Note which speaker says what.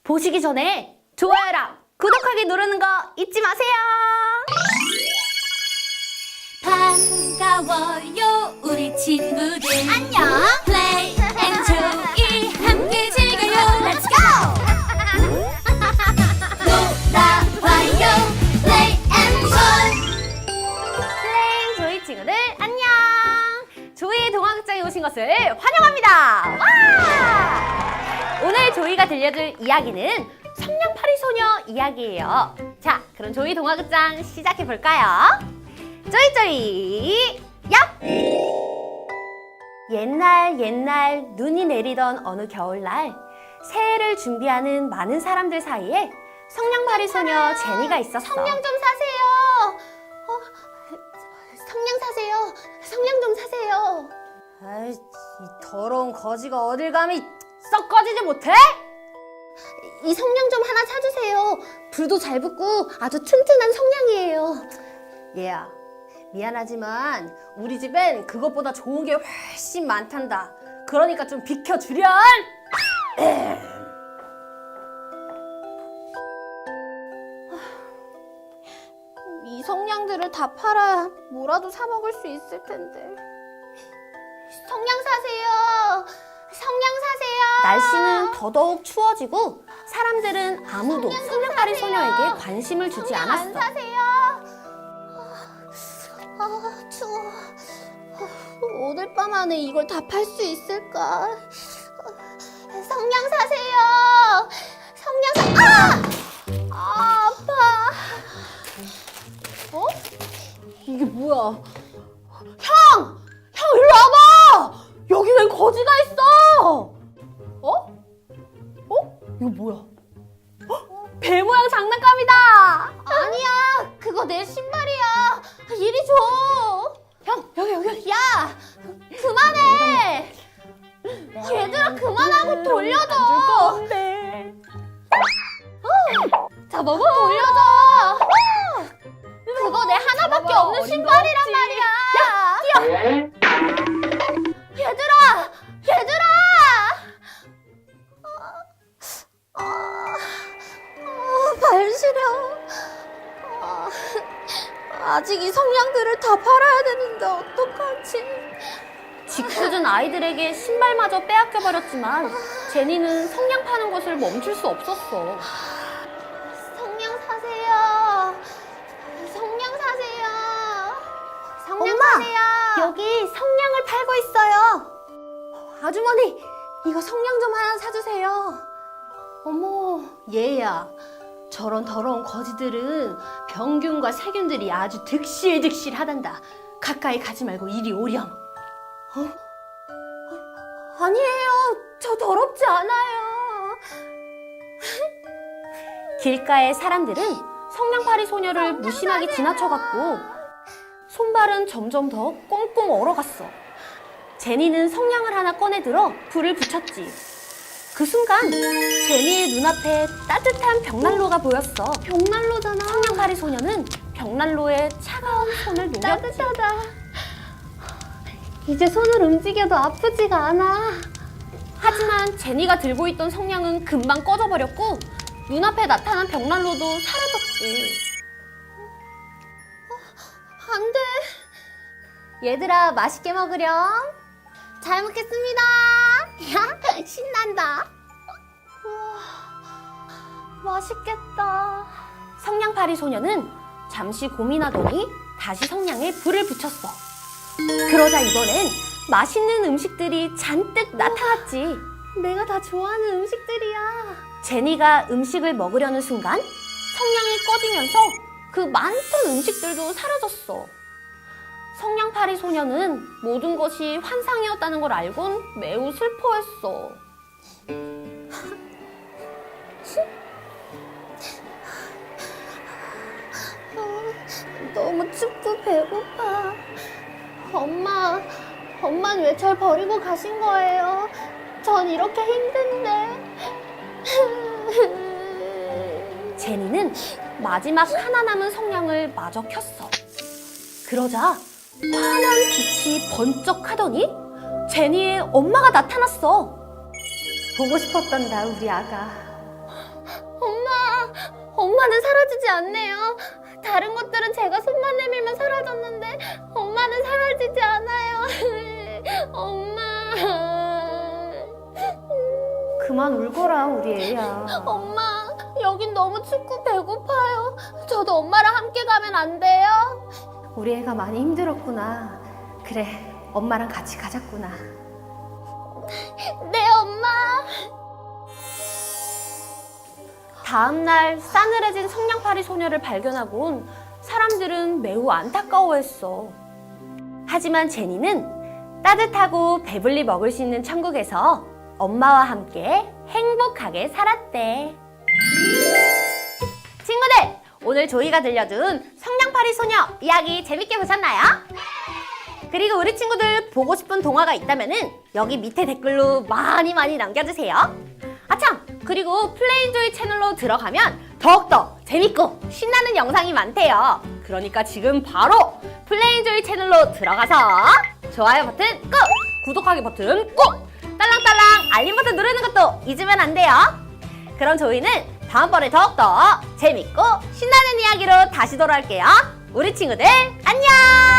Speaker 1: 보시기 전에 좋아요랑 구독하기 누르는 거 잊지 마세요.
Speaker 2: 반가워요 우리 친구들 안녕 플레이 앤 조이 함께 즐겨요 Let's go 놀아봐요 플레이 앤
Speaker 1: 플레잉 조이 친구들 안녕. 조이 동화극장에 오신 것을 환영합니다. 와! 오늘 조이가 들려줄 이야기는 성냥팔이 소녀 이야기예요. 자, 그럼 조이 동화극장 시작해 볼까요? 쪼이쪼이 얍! 옛날 눈이 내리던 어느 겨울날 새해를 준비하는 많은 사람들 사이에 성냥팔이 소녀 제니가 있었어. 성냥 좀 사세요. 성냥 사세요. 성냥 좀 사세요. 아이, 이 더러운 거지가 어딜 감히 썩 꺼지지 못해? 이 성냥 좀 하나 사주세요. 불도 잘 붙고 아주 튼튼한 성냥이에요. 얘야, 미안하지만 우리 집엔 그것보다 좋은 게 훨씬 많단다. 그러니까 좀 비켜주렴. 이 성냥들을 다 팔아야 뭐라도 사 먹을 수 있을 텐데. 성냥 사세요. 성냥 사세요. 날씨는 더더욱 추워지고 사람들은 아무도 성냥팔이 소녀에게 관심을 주지 않았어. 안 사세요. 추워. 오늘 밤 안에 이걸 다 팔 수 있을까? 성냥 사세요. 성냥 아파. 어? 이게 뭐야? 형! 일로 와봐! 여기 웬 거지가 있어! 이거 뭐야? 배 모양 장난감이다! 아니야! 그거 내 신발이야! 이리 줘! 형! 여기! 야! 그만해! 얘들아 그만하고 돌려줘! 안 줄 건데! 자 먹어! 돌려줘! 그거 내 하나밖에 없는 신발이란 말이야! 야! 뛰어! 얘들아! 발 시려. 아직 이 성냥들을 다 팔아야 되는데 어떡하지? 짓궂은 아이들에게 신발마저 빼앗겨버렸지만 제니는 성냥 파는 것을 멈출 수 없었어. 성냥 사세요. 성냥 사세요. 성냥 엄마, 사세요. 여기 성냥을 팔고 있어요. 아주머니, 이거 성냥 좀 하나 사주세요. 어머, 얘야. 저런 더러운 거지들은 병균과 세균들이 아주 득실득실하단다. 가까이 가지 말고 이리 오렴. 아니에요. 저 더럽지 않아요. 길가의 사람들은 성냥팔이 소녀를 무심하게 지나쳐갔고 손발은 점점 더 꽁꽁 얼어갔어. 제니는 성냥을 하나 꺼내들어 불을 붙였지. 그 순간 제니의 눈앞에 따뜻한 벽난로가 보였어. 벽난로잖아. 성냥팔이 소녀는 벽난로에 차가운 손을 녹였지. 따뜻하다. 이제 손을 움직여도 아프지가 않아. 하지만 제니가 들고 있던 성냥은 금방 꺼져버렸고 눈앞에 나타난 벽난로도 사라졌지. 안 돼. 얘들아, 맛있게 먹으렴. 잘 먹겠습니다. 신난다. 우와, 맛있겠다. 성냥팔이 소녀는 잠시 고민하더니 다시 성냥에 불을 붙였어. 그러자 이번엔 맛있는 음식들이 잔뜩 나타났지. 내가 다 좋아하는 음식들이야. 제니가 음식을 먹으려는 순간 성냥이 꺼지면서 그 많던 음식들도 사라졌어. 성냥팔이 소녀는 모든 것이 환상이었다는 걸 알곤 매우 슬퍼했어. 너무 춥고 배고파. 엄마는 왜 절 버리고 가신 거예요? 전 이렇게 힘든데. 제니는 마지막 하나 남은 성냥을 마저 켰어. 그러자 환한 빛이 번쩍하더니 제니의 엄마가 나타났어. 보고 싶었단다, 우리 아가. 엄마는 사라지지 않네요. 다른 것들은 제가 손만 내밀면 사라졌는데 엄마는 사라지지 않아요. 엄마. 그만 울거라, 우리 애야. 엄마, 여긴 너무 춥고 배고파요. 저도 엄마랑 함께 가면 안 돼요? 우리 애가 많이 힘들었구나. 그래, 엄마랑 같이 가자꾸나. 네, 엄마. 다음날 싸늘해진 성냥팔이 소녀를 발견하곤 사람들은 매우 안타까워했어. 하지만 제니는 따뜻하고 배불리 먹을 수 있는 천국에서 엄마와 함께 행복하게 살았대. 친구들, 오늘 조이가 들려준 성냥팔이 소녀 이야기 재밌게 보셨나요? 그리고 우리 친구들 보고 싶은 동화가 있다면은 여기 밑에 댓글로 많이 남겨주세요. 아참! 그리고 플레인조이 채널로 들어가면 더욱더 재밌고 신나는 영상이 많대요. 그러니까 지금 바로 플레인조이 채널로 들어가서 좋아요 버튼 꾹! 구독하기 버튼 꾹! 딸랑딸랑 알림 버튼 누르는 것도 잊으면 안 돼요. 그럼 저희는 다음번에 더욱더 재밌고 신나는 이야기로 다시 돌아올게요. 우리 친구들 안녕!